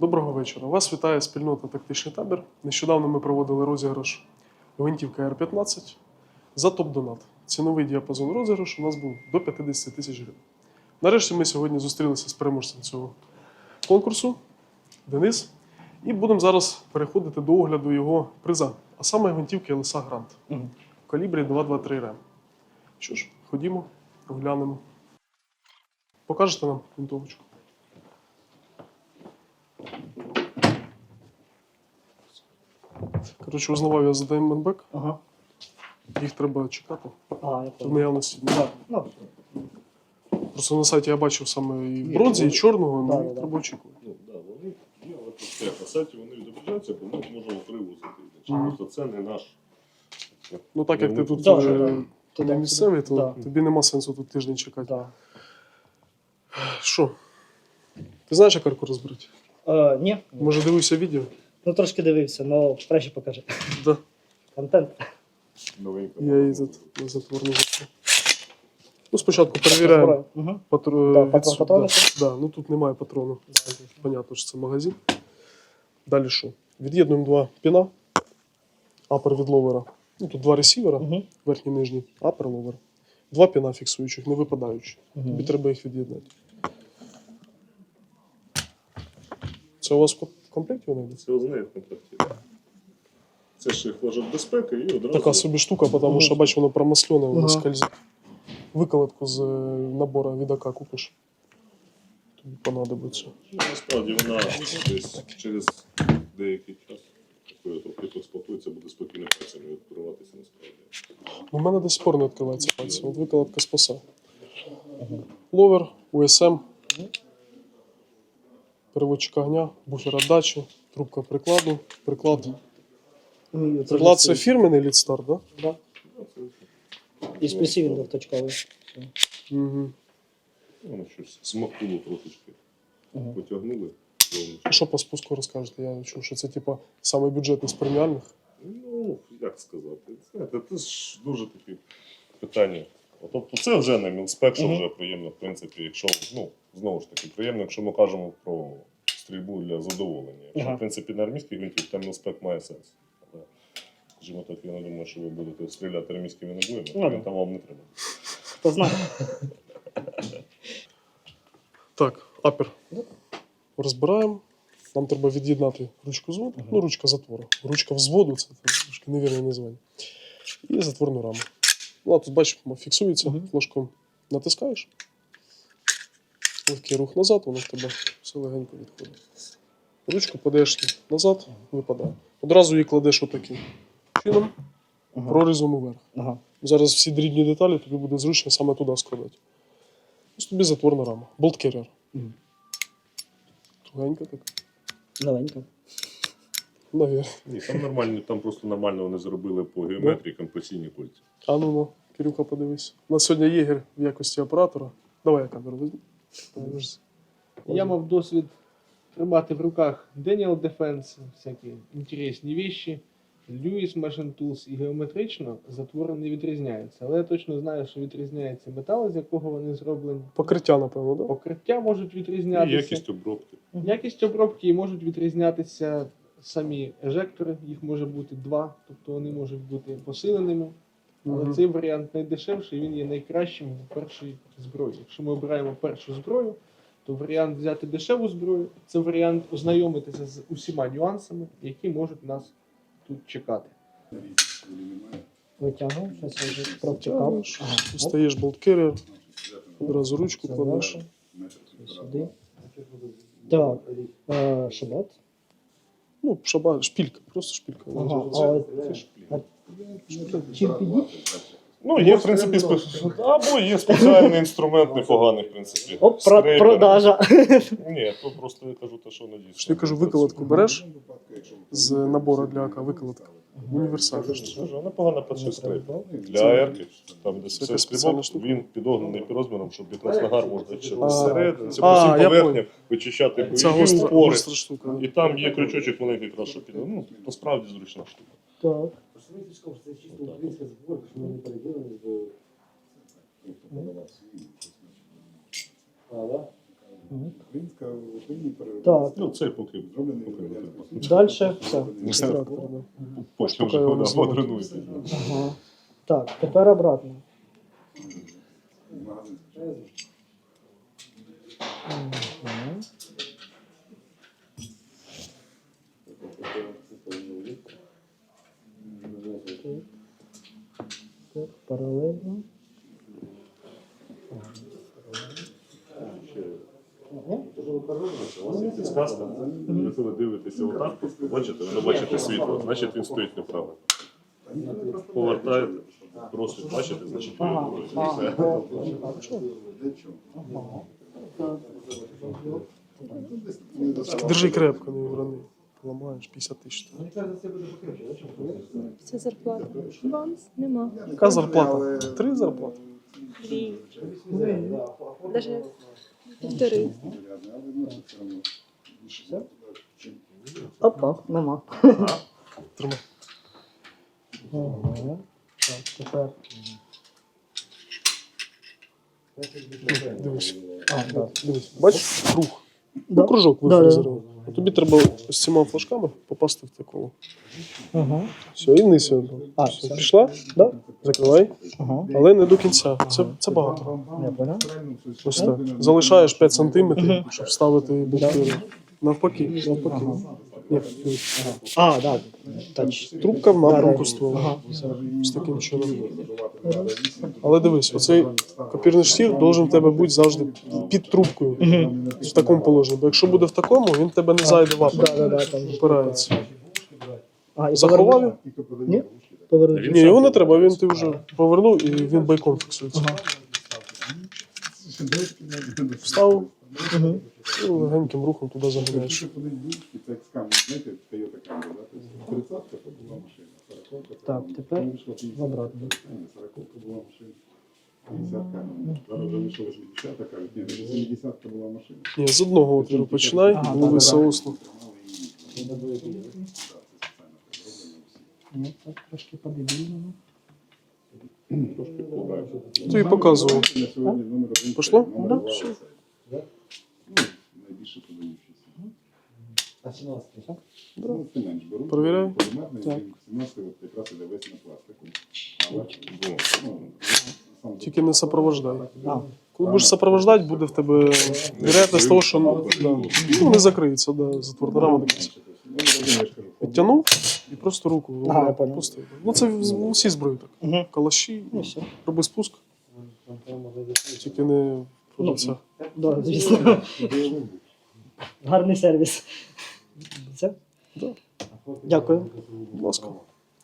Доброго вечора. Вас вітає спільнота «Тактичний табір». Нещодавно ми проводили розіграш гвинтівки Р-15 за топ-донат. Ціновий діапазон розіграшу у нас був до 50 тисяч гривень. Нарешті ми сьогодні зустрілися з переможцем цього конкурсу, Денис, і будемо зараз переходити до огляду його приза, а саме гвинтівки ЛСА Грант в калібрі 223 РМ. Що ж, ходімо, оглянемо. Покажете нам винтовочку? Коротше, узнавав я за Diamondback. Ага. Їх треба чекати. Я В понял. наявності. Да. Ну, Просто на сайті я бачив саме і бронзі, і чорного, Да, але да. треба очікувати. Ну, да, вони є, але просто як на сайті вони відображаються, бо ми їх можемо привозити. Просто це не наш. Ну так як ти тут Да, вже да. не місцевий, то Да. тобі нема сенсу тут тиждень чекати. да. Що? Ти знаєш, як арку розберуть? Ні. Може дивився відео? Ну трошки дивився, але краще покажи. Да. Контент. Новенька. Я її на затворний закрив. Ну, спочатку перевіряємо Угу. да, патрони. да, ну тут немає патрону. Понятно, що це магазин. Далі що? Від'єднуємо два піна. Апер від ловера. Ну, тут два ресівера, Угу. верхній і нижній, апер ловер. Два піна фіксуючих, не випадаючих. Тобі треба їх від'єднати. Це у вас в комплекті вони йдуть? Це означає в комплекті. Це ж їх флажок безпеки і одразу. Така собі штука, тому що, бач, воно промаслене, воно Ага. скользить. Виколотку з набору від АК купиш. Тобі понадобиться. Ну, насправді вона десь через деякий час, коли трохи поспокоїться, буде спокійно пальцями відкриватися насправді. У мене до сих пор не відкривається пальці. От виколотка спаса. Ловер, УСМ, переводчик огня, буфер отдачі, трубка прикладу. Приклад це фірменний лідстар, так? Да. І з плюсів він двохточковий. Угу. Воно щось смакнуло трошечки. Потягнули. А що по спуску розкажете? Я чув, що це типа самий бюджетний з преміальних. Ну, як сказати, знаєте, це ж дуже такі питання. Тобто це вже не мілспек, що вже приємно, в принципі, якщо, ну, знову ж таки, приємно, якщо ми кажемо про стрільбу для задоволення. Якщо, в принципі, на армійських гвинтівках там мілспек має сенс. Але, скажімо так, я не думаю, що ви будете стріляти армійськими набоями, він там вам не треба. Хто знає? Так, апер. Розбираємо. Нам треба від'єднати ручку зводу, ну, ручка затвору. Ручка взводу, це трошки невірне названня. І затворну раму. Ну, а тут, бачиш, фіксується, флажком натискаєш. Легкий рух назад, воно в тебе все легенько відходить. Ручку подаєш назад, випадає. Одразу її кладеш отаким чином, прорізом уверх. Ага. Зараз всі дрібні деталі тобі буде зручно саме туди складати. Ось тобі затворна рама. Болт-керрер. Тугенька така. Новенька. Навірно. Ні, там нормально, там просто нормально вони зробили по геометрії компресійні кольця. А ну, Кирюха, подивись. У нас сьогодні єгер в якості оператора. Давай я камеру візьму. Я мав досвід тримати в руках Daniel Defense, всякі інтересні віші, Lewis Machine Tools, і геометрично затвори не відрізняються. Але я точно знаю, що відрізняється метал, з якого вони зроблені. Покриття, напевно, так? Покриття можуть І відрізнятися. якість обробки. Якість обробки, і можуть відрізнятися самі ежектори, їх може бути два, тобто вони можуть бути посиленими. Але цей варіант найдешевший, він є найкращим в першій зброї. Якщо ми обираємо першу зброю, то варіант взяти дешеву зброю – це варіант ознайомитися з усіма нюансами, які можуть нас тут чекати. Витягнув, щось я вже провтикав. Достаєш болт-керрер, одразу ручку кладеш. Сюди. Так. Шабат. Ну, шпілька, просто шпілька. Ага. Чим підіть? Ну, є, в принципі, або є спеціальний інструмент непоганий, в принципі. Оп, Скрейпер. продажа. Ні, то просто я кажу те, що надійсно. Що я кажу, виколотку береш з набору для АК, виколотка. Універсальна. Скажу, непогано працює скрейпер. Для АРки, там де Це це якась спеціальна стрибок, штука? він підогнаний під розміром, щоб якраз нагар можна ще А. зсередини, це А, по всім я поверхням вичищати Це бойові упори. гостра штука. І там є крючочок маленький, якраз, щоб під... Ну, то справді зручна штука. Так. Це чисто українська зборка, що вони переділені в... А, да? Українська в Україні Так. Ну, це поки. Далі все. Екстрактор, да. Потім вже Штука його не потренуйся. Ага. Так, тепер обратно. Мгм. Так, паралельно. У вас є підсказка. Якщо ви дивитеся отак, просто бачите, ви не бачите світло, значить він стоїть неправильно. Повертаєте, просить, бачите, значить ви все. Держи крепко, не урони. Ламаєш 50 тисяч. Це зарплата. Вам нема. Яка зарплата? 3 зарплати. Дві. Даже півтори. Опа, нема. Тримай. Ага. Так, тепер. Дивись. А, да. Дивись. Бачиш круг? Да. Ну, кружок Да, да. вифрезерував. А тобі треба з цими флажками попасти в те коло. Ага. Все, і вниз його. А, Все, все. пішла? Да? Закривай. Ага. Але не до кінця. Це багато. Я понял. Ось так. Залишаєш 5 сантиметрів, щоб вставити букву. Навпаки. Навпаки. Ні, дивись. А, да. Тач. Трубка в напрямку Да, ствола. Ага. З таким чином. Але дивись, оцей копірний штір должен в тебе бути завжди під трубкою. В такому положенні. Бо якщо буде в такому, він в тебе не зайде в апер. Да, там. Опирається. А, і Заховав повернути? його? Ні? Повернути. Ні, його не треба, він ти вже повернув і він байком фіксується. Вставив Угу. і легеньким рухом туди заганяєш. Це як скам, знаєте, Toyota Camry, да? Тобто 30-ка то була машина, 40-ка Так, тепер вийшла 50-ка. обратно. Ні, 40-ка була машина. 50-ка. Зараз вже вийшла 80-ка, кажуть, ні, 70-ка була машина. Ні, з одного отвору починай, Ага, лови так, соусно. Ну, так, трошки подивімо. Трошки вкладаємо. Тобі показував. На сьогодні номер один. Пішло? Номер Да, два. все. Ну, найбільше подаючийся. А 17-й? Ну, це менш беру. Перевіряй. Полімерний, Так. він 17 от якраз іде весь на пластику. Але, ну, сам Тільки не сопровождай. А, Коли будеш сопровождати, буде в тебе вероятність того, що ну, не закриється, да, затворна рама до кінця. Ну, я ж кажу, Підтягнув і просто руку Ага, я понял. пустив. Ну це в усі зброї так. Угу. Калаші, Ну, все. роби спуск, тільки не продавця. Да, звісно. Гарний сервіс. Все? Да. Дякую. Будь ласка.